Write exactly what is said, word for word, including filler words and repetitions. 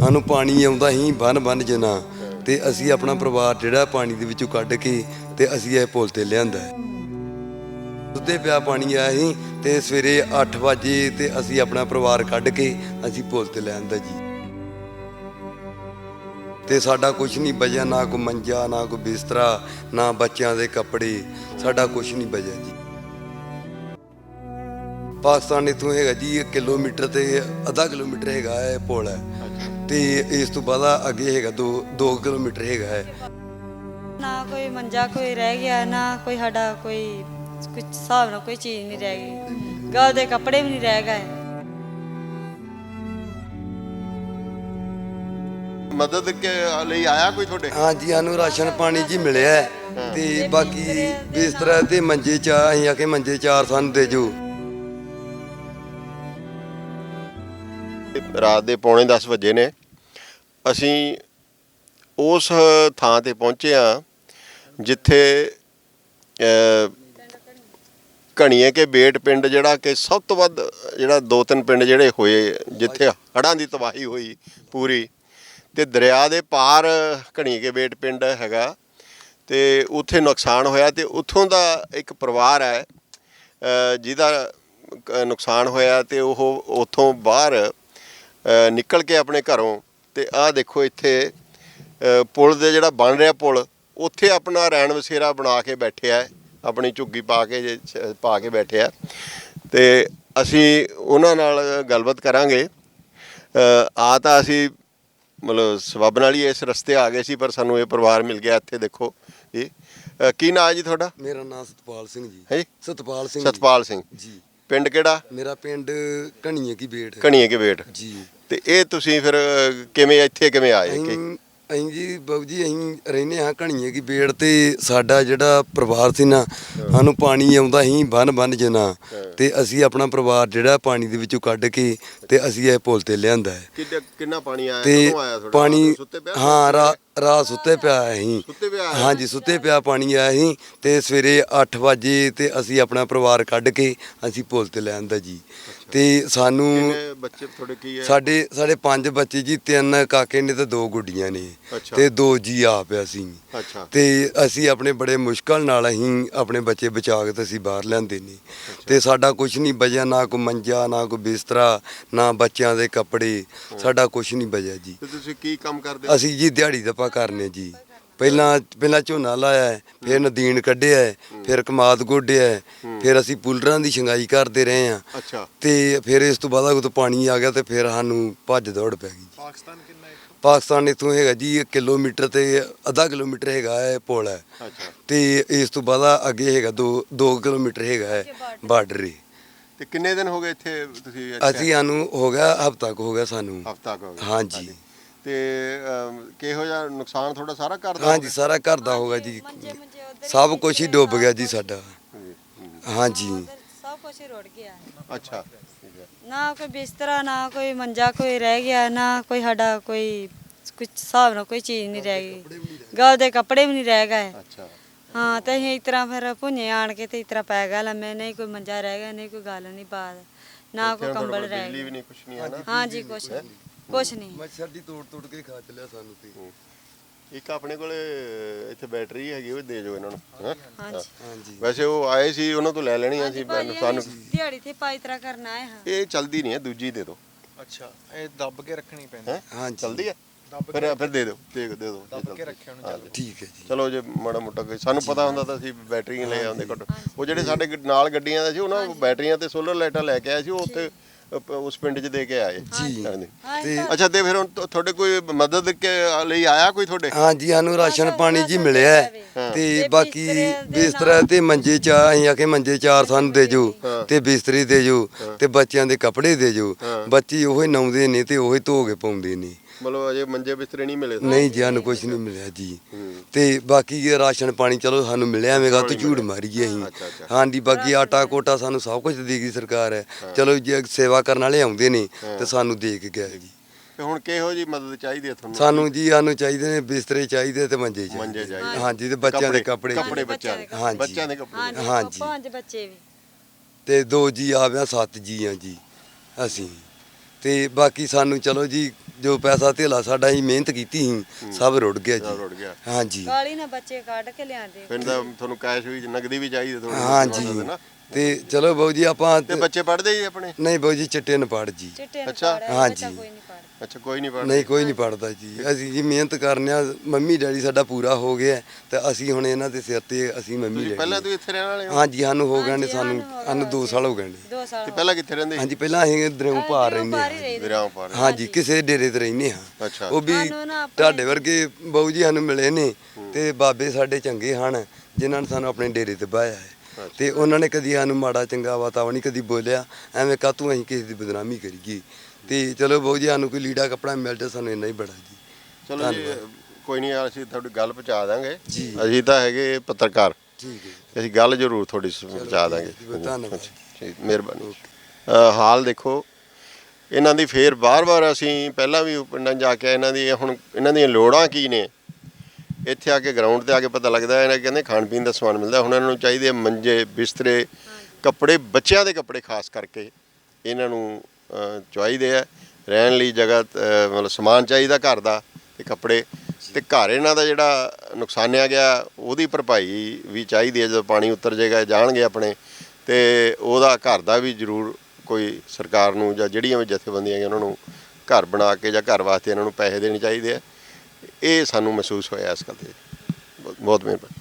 ਸਾਨੂੰ ਪਾਣੀ ਆਉਂਦਾ ਹੀ ਬੰਨ ਬੰਨ ਜਨਾ ਤੇ ਅਸੀਂ ਆਪਣਾ ਪਰਿਵਾਰ ਜਿਹੜਾ ਪਾਣੀ ਦੇ ਵਿੱਚੋਂ ਕੱਢ ਕੇ ਤੇ ਅਸੀਂ ਇਹ ਪੁਲ ਤੇ ਲਿਆਂਦਾ। ਸੁੱਤੇ ਪਿਆ ਪਾਣੀ ਆਇਆ ਸੀ ਤੇ ਸਵੇਰੇ ਅੱਠ ਵਜੇ ਤੇ ਅਸੀਂ ਆਪਣਾ ਪਰਿਵਾਰ ਕੱਢ ਕੇ ਅਸੀਂ ਪੁਲ ਤੇ ਲਿਆਂਦਾ ਜੀ। ਤੇ ਸਾਡਾ ਕੁਝ ਨਹੀਂ ਬਚਿਆ, ਨਾ ਕੋਈ ਮੰਜਾ, ਨਾ ਕੋਈ ਬਿਸਤਰਾ, ਨਾ ਬੱਚਿਆਂ ਦੇ ਕੱਪੜੇ, ਸਾਡਾ ਕੁਝ ਨਹੀਂ ਬਚਿਆ ਜੀ। ਪਾਕਿਸਤਾਨ ਇੱਥੋਂ ਹੈਗਾ ਜੀ ਇੱਕ ਕਿਲੋਮੀਟਰ ਤੇ ਅੱਧਾ ਕਿਲੋਮੀਟਰ ਹੈਗਾ ਹੈ ਪੁਲ ਹੈ ਤੇ ਇਸ ਤੋਂ ਬਾਅਦ ਅੱਗੇ ਹੈਗਾ ਦੋ ਦੋ ਕਿਲੋਮੀਟਰ ਹੈਗਾ ਹੈ। ਨਾ ਕੋਈ ਮੰਜਾ ਕੋਈ ਰਹਿ ਗਿਆ, ਨਾ ਕੋਈ ਸਾਡਾ ਕੋਈ ਕੁਝ ਹਿਸਾਬ ਨਾਲ ਕੋਈ ਚੀਜ਼ ਨਹੀਂ ਰਹਿ ਗਈ, ਗਲ ਦੇ ਕੱਪੜੇ ਵੀ ਨਹੀਂ ਰਹਿ ਗਏ। ਮਦਦ ਕੇ ਲਈ ਆਇਆ ਕੋਈ ਤੁਹਾਡੇ? ਹਾਂਜੀ, ਸਾਨੂੰ ਰਾਸ਼ਨ ਪਾਣੀ ਜੀ ਮਿਲਿਆ ਤੇ ਬਾਕੀ ਬਿਸਤਰਾ ਤੇ ਮੰਜੇ ਚਾਹ ਅਸੀਂ ਆ ਕੇ ਮੰਜੇ ਚਾਰ ਸਾਨੂੰ ਦੇ ਜੋ। ਰਾਤ ਦੇ ਪੌਣੇ ਦਸ ਵਜੇ ਨੇ, ਅਸੀਂ ਉਸ ਥਾਂ ਤੇ ਪਹੁੰਚੇ ਆ ਜਿੱਥੇ ਘਣੀਏ ਕੇ ਬੇਟ ਪਿੰਡ ਜਿਹੜਾ ਕਿ ਸਭ ਤੋਂ ਵੱਧ ਜਿਹੜਾ ਦੋ ਤਿੰਨ ਪਿੰਡ ਜਿਹੜੇ ਹੋਏ ਜਿੱਥੇ ਹੜ੍ਹਾਂ ਦੀ ਤਬਾਹੀ ਹੋਈ ਪੂਰੀ, ਤੇ ਦਰਿਆ ਦੇ ਪਾਰ ਘਣੀਏ ਕੇ ਬੇਟ ਪਿੰਡ ਹੈਗਾ ਤੇ ਉੱਥੇ ਨੁਕਸਾਨ ਹੋਇਆ ਤੇ ਉੱਥੋਂ ਦਾ ਇੱਕ ਪਰਿਵਾਰ ਹੈ ਜਿਹਦਾ ਨੁਕਸਾਨ ਹੋਇਆ ਤੇ ਉਹ ਉੱਥੋਂ ਬਾਹਰ ਨਿਕਲ ਕੇ ਆਪਣੇ ਘਰੋਂ ਤੇ ਆਹ ਦੇਖੋ ਇੱਥੇ ਪੁਲ ਦੇ ਜਿਹੜਾ ਬਣ ਰਿਹਾ ਪੁਲ ਉੱਥੇ ਆਪਣਾ ਰੈਣ ਵਸੇਰਾ ਬਣਾ ਕੇ ਬੈਠਿਆ, ਆਪਣੀ ਝੁੱਗੀ ਪਾ ਕੇ ਪਾ ਕੇ ਬੈਠਿਆ ਤੇ ਅਸੀਂ ਉਹਨਾਂ ਨਾਲ ਗੱਲਬਾਤ ਕਰਾਂਗੇ। ਆ ਤਾਂ ਅਸੀਂ ਮਤਲਬ ਸਬੱਬ ਨਾਲ ਹੀ ਇਸ ਰਸਤੇ ਆ ਗਏ ਸੀ ਪਰ ਸਾਨੂੰ ਇਹ ਪਰਿਵਾਰ ਮਿਲ ਗਿਆ ਇੱਥੇ। ਦੇਖੋ ਜੀ, ਕੀ ਨਾਂ ਹੈ ਜੀ ਤੁਹਾਡਾ? ਮੇਰਾ ਨਾਮ ਸਤਪਾਲ ਸਿੰਘ ਜੀ। ਹੈ ਜੀ, ਸਤਪਾਲ ਸਿੰਘ। ਸਤਪਾਲ ਸਿੰਘ ਜੀ। ਪਿੰਡ ਕਿਹੜਾ? ਮੇਰਾ ਪਿੰਡ ਘਣੀਏ ਕੀ ਬੇਟ। ਘਣੀਏ ਕੇ ਬੇਟ ਜੀ। ਤੇ ਇਹ ਤੁਸੀਂ ਫਿਰ ਕਿਵੇਂ ਇੱਥੇ ਕਿਵੇਂ ਆਏ? ਅਸੀਂ ਜੀ ਬਾਬੂ ਜੀ ਅਸੀਂ ਰਹਿੰਦੇ ਹਾਂ ਘਣੀਏ ਕੀ ਬੇੜ ਤੇ ਸਾਡਾ ਜਿਹੜਾ ਪਰਿਵਾਰ ਸੀ ਨਾ, ਸਾਨੂੰ ਪਾਣੀ ਆਉਂਦਾ ਸੀ ਬੰਨ ਬੰਨ ਜਨਾ ਤੇ ਅਸੀਂ ਆਪਣਾ ਪਰਿਵਾਰ ਜਿਹੜਾ ਪਾਣੀ ਦੇ ਵਿੱਚੋਂ ਕੱਢ ਕੇ ਤੇ ਅਸੀਂ ਇਹ ਪੁਲ ਤੇ ਲਿਆਂਦਾ ਹੈ। ਕਿੰਨਾ ਪਾਣੀ ਆਇਆ? ਤੇ ਕਦੋਂ ਆਇਆ ਤੁਹਾਡਾ? ਪਾਣੀ ਸੁੱਤੇ ਪਿਆ? ਹਾਂ, ਰਾ ਰਾਤ ਸੁੱਤੇ ਪਿਆ ਅਸੀਂ। ਸੁੱਤੇ ਪਿਆ? ਹਾਂਜੀ, ਸੁੱਤੇ ਪਿਆ ਪਾਣੀ ਆਇਆ ਸੀ ਤੇ ਸਵੇਰੇ ਅੱਠ ਵਜੇ ਤੇ ਅਸੀਂ ਆਪਣਾ ਪਰਿਵਾਰ ਕੱਢ ਕੇ ਅਸੀਂ ਪੁਲ ਤੇ ਲਿਆਂਦਾ ਜੀ। ਤੇ ਸਾਨੂੰ ਬੱਚੇ ਤੁਹਾਡੇ ਕੀ ਹੈ? ਸਾਡੇ ਸਾਡੇ ਪੰਜ ਬੱਚੇ ਜੀ, ਤਿੰਨ ਕਾਕੇ ਨੇ ਤੇ ਦੋ ਗੁੱਡੀਆਂ ਨੇ ਤੇ ਦੋ ਜੀ ਆਪ ਅਸੀਂ। ਅੱਛਾ। ਤੇ ਅਸੀਂ ਆਪਣੇ ਬੜੇ ਮੁਸ਼ਕਲ ਨਾਲ ਅਸੀਂ ਆਪਣੇ ਬੱਚੇ ਬਚਾ ਕੇ ਤੇ ਅਸੀਂ ਬਾਹਰ ਲਿਆਂਦੇ ਨੇ ਤੇ ਸਾਡਾ ਕੁਝ ਨਹੀਂ ਬਚਿਆ, ਨਾ ਕੋਈ ਮੰਜਾ, ਨਾ ਕੋਈ ਬਿਸਤਰਾ, ਨਾ ਬੱਚਿਆਂ ਦੇ ਕੱਪੜੇ, ਸਾਡਾ ਕੁਝ ਨਹੀਂ ਬਚਿਆ ਜੀ। ਤੇ ਤੁਸੀਂ ਕੀ ਕੰਮ ਕਰਦੇ? ਅਸੀਂ ਜੀ ਦਿਹਾੜੀ ਦੱਪਾ ਕਰਨੇ ਜੀ। ਪਹਿਲਾਂ ਪਹਿਲਾਂ ਝੋਨਾ ਲਾਇਆ, ਫਿਰ ਨਦੀਨ ਕੱਢਿਆ, ਫਿਰ ਕਮਾਦ ਗੋਡਿਆ, ਫਿਰ ਅਸੀਂ ਪੁਲਰਾਂ ਦੀ ਛੰਗਾਈ ਕਰਦੇ ਰਹੇ ਆ। ਅੱਛਾ। ਤੇ ਫਿਰ ਇਸ ਤੋਂ ਬਾਅਦ ਜਦੋਂ ਪਾਣੀ ਆ ਗਿਆ ਤੇ ਫਿਰ ਸਾਨੂੰ ਭੱਜ ਦੌੜ ਪੈ ਗਈ। ਪਾਕਿਸਤਾਨ ਕਿੰਨਾ ਹੈ? ਪਾਕਿਸਤਾਨ ਇੱਥੋਂ ਹੈਗਾ ਜੀ ਇੱਕ ਕਿਲੋਮੀਟਰ ਤੇ ਅੱਧਾ ਕਿਲੋਮੀਟਰ ਹੈਗਾ ਹੈ ਪੁਲ ਹੈ। ਅੱਛਾ। ਤੇ ਇਸ ਤੋਂ ਬਾਅਦ ਅੱਗੇ ਹੈਗਾ ਦੋ ਦੋ ਕਿਲੋਮੀਟਰ ਹੈਗਾ ਹੈ ਬਾਰਡਰ। ਤੇ ਕਿੰਨੇ ਦਿਨ ਹੋ ਗਏ ਇੱਥੇ ਤੁਸੀਂ? ਅਸੀਂ ਸਾਨੂੰ ਹੋ ਗਿਆ ਹਫ਼ਤਾ ਕੁ ਹੋ ਗਿਆ ਸਾਨੂੰ। ਹਫ਼ਤਾ ਕੁ ਹੋ ਗਿਆ? ਹਾਂਜੀ। ਤੇ ਕਿਹੋ ਜਿਹਾ ਨੁਕਸਾਨ ਤੁਹਾਡਾ ਸਾਰਾ ਘਰ ਦਾ? ਹਾਂਜੀ, ਸਾਰਾ ਘਰ ਦਾ ਹੋਗਾ ਜੀ, ਸਭ ਕੁਝ ਹੀ ਡੁੱਬ ਗਿਆ ਜੀ ਸਾਡਾ। ਹਾਂਜੀ, ਸਭ ਕੁਝ ਹੀ ਰੁੜ ਗਿਆ। ਅੱਛਾ। ਨਾ ਕੋਈ ਬਿਸਤਰਾ, ਨਾ ਕੋਈ ਮੰਜਾ ਕੋਈ ਰਹਿ ਗਿਆ, ਨਾ ਕੋਈ ਸਾਡਾ ਕੋਈ ਕੁਝ ਹਿਸਾਬ ਨਾਲ ਕੋਈ ਚੀਜ਼ ਨਹੀਂ ਰਹਿ ਗਈ, ਗਲ ਦੇ ਕੱਪੜੇ ਵੀ ਨਹੀਂ ਰਹਿ ਗਏ। ਅੱਛਾ। ਹਾਂ, ਤੇ ਅਸੀਂ ਇਸ ਤਰ੍ਹਾਂ ਫਿਰ ਭੁੰਨੇ ਆਣ ਕੇ ਤੇ ਇਸ ਤਰ੍ਹਾਂ ਪੈ ਗਿਆ ਲੰਮੇ, ਨਹੀਂ ਕੋਈ ਮੰਜਾ ਰਹਿ ਗਿਆ, ਨਹੀਂ ਕੋਈ ਗੱਲ ਨਹੀਂ ਬਾਤ, ਨਾ ਕੋਈ ਕੰਬਲ ਰਹਿ ਬਿਜਲੀ ਵੀ ਗਿਆ। ਨਹੀਂ, ਕੁਛ ਨਹੀਂ ਹੈ ਨਾ? ਹਾਂਜੀ, ਕੁਛ ਨਹੀਂ, ਕੁਛ ਨਹੀਂ। ਮੱਛਰ ਦੀ ਤੋੜ ਤੋੜ ਕੇ ਖਾ ਚਲਿਆ ਸਾਨੂੰ ਤੇ। ਇੱਕ ਆਪਣੇ ਕੋਲੇ ਇੱਥੇ ਬੈਟਰੀ ਹੈਗੀ, ਉਹ ਦੇ ਜੋ ਇਹਨਾਂ ਨੂੰ। ਹਾਂਜੀ ਹਾਂਜੀ। ਵੈਸੇ ਉਹ ਆਏ ਸੀ, ਉਹਨਾਂ ਤੋਂ ਲੈ ਲੈਣੀਆਂ ਸੀ ਸਾਨੂੰ। ਦਿਹਾੜੀ ਤੇ ਪਾਈ ਤਰ੍ਹਾਂ ਕਰਨਾ ਹੈ। ਹਾਂ, ਇਹ ਚਲਦੀ ਨਹੀਂ ਹੈ, ਦੂਜੀ ਦੇ ਦਿਓ। ਅੱਛਾ, ਇਹ ਦੱਬ ਕੇ ਰੱਖਣੀ ਪੈਂਦੀ ਹੈ? ਹਾਂਜੀ, ਚਲਦੀ ਹੈ? ਦੱਬ ਫਿਰ ਫਿਰ ਦੇ ਦਿਓ, ਦੇ ਦੇ ਦਿਓ। ਦੱਬ ਕੇ ਰੱਖਿਆ ਉਹਨੂੰ ਚੱਲ। ਠੀਕ ਹੈ ਜੀ। ਚਲੋ ਜੇ ਮਾੜਾ ਮੋਟਾ ਕੋਈ ਸਾਨੂੰ ਪਤਾ ਹੁੰਦਾ ਤਾਂ ਅਸੀਂ ਬੈਟਰੀਆਂ ਲੈ ਆਉਂਦੇ ਘੱਟ। ਉਹ ਜਿਹੜੇ ਸਾਡੇ ਨਾਲ ਗੱਡੀਆਂ ਦਾ ਸੀ, ਉਹਨਾਂ ਬੈਟਰੀਆਂ ਤੇ ਸੋਲਰ ਲਾਈਟਾਂ ਲੈ ਕੇ ਆਏ ਸੀ, ਉਹ ਉੱਥੇ ਉਸ ਪਿੰਡ 'ਚ ਦੇ ਕੇ ਆਏ ਜੀ। ਤੇ ਅੱਛਾ, ਤੇ ਫਿਰ ਹੁਣ ਤੁਹਾਡੇ ਕੋਈ ਮਦਦ ਕੇ ਲਈ ਆਇਆ ਕੋਈ ਤੁਹਾਡੇ? ਹਾਂਜੀ, ਸਾਨੂੰ ਰਾਸ਼ਨ ਪਾਣੀ ਜੀ ਮਿਲਿਆ ਤੇ ਬਾਕੀ ਬਿਸਤਰਾ ਤੇ ਮੰਜੇ ਚਾਹ ਅਸੀਂ ਆ ਕੇ ਮੰਜੇ ਚਾਰ ਸਾਨੂੰ ਦੇ ਜੋ ਤੇ ਬਿਸਤਰੀ ਦੇ ਜੋ ਤੇ ਬੱਚਿਆਂ ਦੇ ਕੱਪੜੇ ਦੇ ਜੋ। ਬੱਚੇ ਉਹੀ ਨਾਉਂਦੇ ਨੇ ਤੇ ਉਹੀ ਧੋ ਕੇ ਪਾਉਂਦੇ ਨੇ। ਮਤਲਬ ਅਜੇ ਮੰਜੇ ਬਿਸਤਰੇ ਨਹੀਂ ਮਿਲੇ? ਨਹੀਂ ਜੀ, ਸਾਨੂੰ ਕੁਝ ਨਹੀਂ ਮਿਲਿਆ ਜੀ। ਤੇ ਬਾਕੀ ਰਾਸ਼ਨ ਪਾਣੀ ਚਲੋ ਸਾਨੂੰ ਮਿਲਿਆ ਹੋਵੇਗਾ ਤੇ ਝੂਠ ਮਾਰੀਏ ਅਸੀਂ। ਹਾਂਜੀ, ਬਾਕੀ ਆਟਾ ਕੋਟਾ ਸਾਨੂੰ ਸਭ ਕੁਝ ਦੇ ਗਈ ਸਰਕਾਰ ਹੈ। ਚਲੋ ਜੇ ਸੇਵਾ ਕਰਨ ਵਾਲੇ ਆਉਂਦੇ ਨੇ ਤੇ ਸਾਨੂੰ ਦੇ ਕੇ ਗਏ ਜੀ। ਤੇ ਹੁਣ ਕਿਹੋ ਜੀ ਮਦਦ ਚਾਹੀਦੀ ਹੈ ਤੁਹਾਨੂੰ? ਸਾਨੂੰ ਜੀ ਸਾਨੂੰ ਚਾਹੀਦੇ ਨੇ ਬਿਸਤਰੇ ਚਾਹੀਦੇ ਤੇ ਮੰਜੇ ਮੰਜੇ ਚਾਹੀਦੇ। ਹਾਂਜੀ, ਤੇ ਬੱਚਿਆਂ ਦੇ ਕੱਪੜੇ ਕੱਪੜੇ ਬੱਚਿਆਂ ਦੇ। ਹਾਂਜੀ, ਬੱਚਿਆਂ ਦੇ ਕੱਪੜੇ। ਹਾਂਜੀ। ਪੰਜ ਬੱਚੇ ਵੀ ਤੇ ਦੋ ਜੀ ਆ ਗਿਆ, ਸੱਤ ਜੀ ਆ ਜੀ ਅਸੀਂ। ਤੇ ਬਾਕੀ ਸਾਨੂੰ ਚਲੋ ਜੀ ਜੋ ਪੈਸਾ ਧੇਲਾ ਸਾਡਾ ਹੀ ਮਿਹਨਤ ਕੀਤੀ ਸੀ ਸਭ ਰੁੜ ਗਿਆ ਸਭ ਜੀ ਰੁੜ ਗਿਆ ਹਾਂਜੀ ਕਾਲੀ ਨਾ ਬੱਚੇ ਕੱਢ ਕੇ ਲਿਆਂਦੇ ਫਿਰ ਤਾਂ ਤੁਹਾਨੂੰ ਕੈਸ਼ ਵੀ ਨਗਦੀ ਵੀ ਚਾਹੀਦੀ ਥੋੜੀ ਹਾਂਜੀ ਤੇ ਚਲੋ ਬਾਊ ਜੀ ਆਪਾਂ ਤੇ ਬੱਚੇ ਪੜ੍ਹਦੇ ਜੀ ਆਪਣੇ ਨਹੀਂ ਬਾਊ ਜੀ ਚਿੱਟੇ ਨ ਪੜ ਜੀ ਚਿੱਟੇ ਨੂੰ ਅੱਛਾ, ਪਾੜਿਆ ਹਾਂਜੀ। ਬੱਚਾ ਕੋਈ ਨਹੀਂ ਪਾੜਦਾ ਅੱਛਾ ਕੋਈ ਨਹੀਂ ਪੜ੍ਹਦੇ ਨਹੀਂ ਕੋਈ ਨਹੀਂ ਪੜਦਾ ਜੀ ਅਸੀਂ ਜੀ ਮਿਹਨਤ ਕਰਨੇ ਆ ਮੰਮੀ ਡੈਡੀ ਸਾਡਾ ਪੂਰਾ ਹੋ ਗਿਆ ਤੇ ਅਸੀਂ ਹੁਣ ਇਹਨਾਂ ਦੇ ਸਿਰ ਤੇ ਅਸੀਂ ਮੰਮੀ ਤੁਸੀਂ ਡੈਡੀ ਪਹਿਲਾਂ ਤੋਂ ਇੱਥੇ ਰਹਿਣ ਵਾਲੇ ਹੋ ਹਾਂਜੀ ਸਾਨੂੰ ਹੋ ਗਏ ਨੇ ਹਾਂਜੀ, ਸਾਨੂੰ ਸਾਨੂੰ ਹੋ ਸਾਨੂੰ ਦੋ ਸਾਲ ਹੋ ਗਏ ਨੇ ਦੋ ਸਾਲ ਤੇ ਪਹਿਲਾਂ ਕਿੱਥੇ ਰਹਿੰਦੇ ਹਾਂਜੀ ਪਹਿਲਾਂ ਅਸੀਂ ਦਰਿਆਓਂ ਪਾਰ ਰਹਿੰਦੇ ਹਾਂ ਵਿਰਾਮ ਪਾਰ ਹਾਂਜੀ ਕਿਸੇ ਡੇਰੇ ਤੇ ਰਹਿੰਦੇ ਹਾਂ ਅੱਛਾ ਉਹ ਵੀ ਸਾਨੂੰ ਨਾ ਆਪਣੇ- ਤੁਹਾਡੇ ਵਰਗੇ ਬਾਊ ਜੀ ਸਾਨੂੰ ਮਿਲੇ ਨੇ ਤੇ ਬਾਬੇ ਸਾਡੇ ਚੰਗੇ ਹਨ ਜਿਨ੍ਹਾਂ ਨੇ ਸਾਨੂੰ ਆਪਣੇ ਡੇਰੇ ਤੇ ਬਾਇਆ ਹੈ ਤੇ ਉਹਨਾਂ ਨੇ ਕਦੀ ਸਾਨੂੰ ਮਾੜਾ ਚੰਗਾ ਵਾਤਾਵਰਨ ਨਹੀਂ ਕਦੀ ਬੋਲਿਆ ਐਵੇਂ ਕਾਹਤੋਂ ਅਸੀਂ ਕਿਸੇ ਦੀ ਬਦਨਾਮੀ ਕਰੀਏ ਤੇ ਚਲੋ ਬਾਊ ਜੀ ਸਾਨੂੰ ਕੋਈ ਲੀੜਾ ਕੱਪੜਾ ਮਿਲ ਜਾ ਸਾਨੂੰ ਇੰਨਾ ਹੀ ਬੜਾ ਜੀ ਚਲੋ ਜੀ ਕੋਈ ਨਹੀਂ ਅਸੀਂ ਤੁਹਾਡੀ ਗੱਲ ਪਹੁੰਚਾ ਦਾਂਗੇ ਜੀ। ਅਸੀਂ ਤਾਂ ਹੈਗੇ ਪੱਤਰਕਾਰ ਠੀਕ ਹੈ ਅਸੀਂ ਗੱਲ ਜ਼ਰੂਰ ਤੁਹਾਡੀ ਪਹੁੰਚਾ ਦਾਂਗੇ ਜੀ, ਧੰਨਵਾਦ। ਠੀਕ ਮਿਹਰਬਾਨੀ ਅ, ਹਾਲ ਦੇਖੋ ਇਹਨਾਂ ਦੀ ਫੇਰ ਬਾਰ-ਬਾਰ ਅਸੀਂ ਪਹਿਲਾਂ ਵੀ ਪਿੰਡਾਂ 'ਚ ਜਾ ਕੇ ਇਹਨਾਂ ਦੀ ਹੁਣ ਇਹਨਾਂ ਦੀਆਂ ਲੋੜਾਂ ਕੀ ਨੇ ਇੱਥੇ ਆ ਕੇ ਗਰਾਊਂਡ ਤੇ ਆ ਕੇ ਪਤਾ ਲੱਗਦਾ ਇਹਨਾਂ ਕਹਿੰਦੇ ਖਾਣ ਪੀਣ ਦਾ ਸਮਾਨ ਮਿਲਦਾ ਹੁਣ ਇਹਨਾਂ ਨੂੰ ਚਾਹੀਦੇ ਮੰਜੇ ਬਿਸਤਰੇ ਕੱਪੜੇ ਬੱਚਿਆਂ ਦੇ ਕੱਪੜੇ ਖਾਸ ਕਰਕੇ ਇਹਨਾਂ ਨੂੰ ਅ, ਚਾਹੀਦੇ ਆ ਰਹਿਣ ਲਈ ਜਗ੍ਹਾ ਅ, ਮਤਲਬ ਸਮਾਨ ਚਾਹੀਦਾ ਘਰ ਦਾ ਤੇ ਕੱਪੜੇ ਤੇ ਘਰ ਇਹਨਾਂ ਦਾ ਜਿਹੜਾ ਨੁਕਸਾਨਿਆ ਗਿਆ ਉਹਦੀ ਭਰਪਾਈ ਵੀ ਚਾਹੀਦੀ ਹੈ ਜਦੋਂ ਪਾਣੀ ਉਤਰ ਜਾਏਗਾ ਜਾਣਗੇ ਆਪਣੇ ਤੇ ਉਹਦਾ ਘਰ ਦਾ ਵੀ ਜ਼ਰੂਰ ਕੋਈ ਸਰਕਾਰ ਨੂੰ ਜਾਂ ਜਿਹੜੀਆਂ ਵੀ ਜਥੇਬੰਦੀਆਂ ਨੇ ਉਹਨਾਂ ਨੂੰ ਘਰ ਬਣਾ ਕੇ ਜਾਂ ਘਰ ਵਾਸਤੇ ਇਹਨਾਂ ਨੂੰ ਪੈਸੇ ਦੇਣੇ ਚਾਹੀਦੇ ਆ ਇਹ ਸਾਨੂੰ ਮਹਿਸੂਸ ਹੋਇਆ ਇਸ ਗੱਲ ਤੇ ਬਹੁਤ ਬਹੁਤ ਮਿਹਰਬਾਨੀ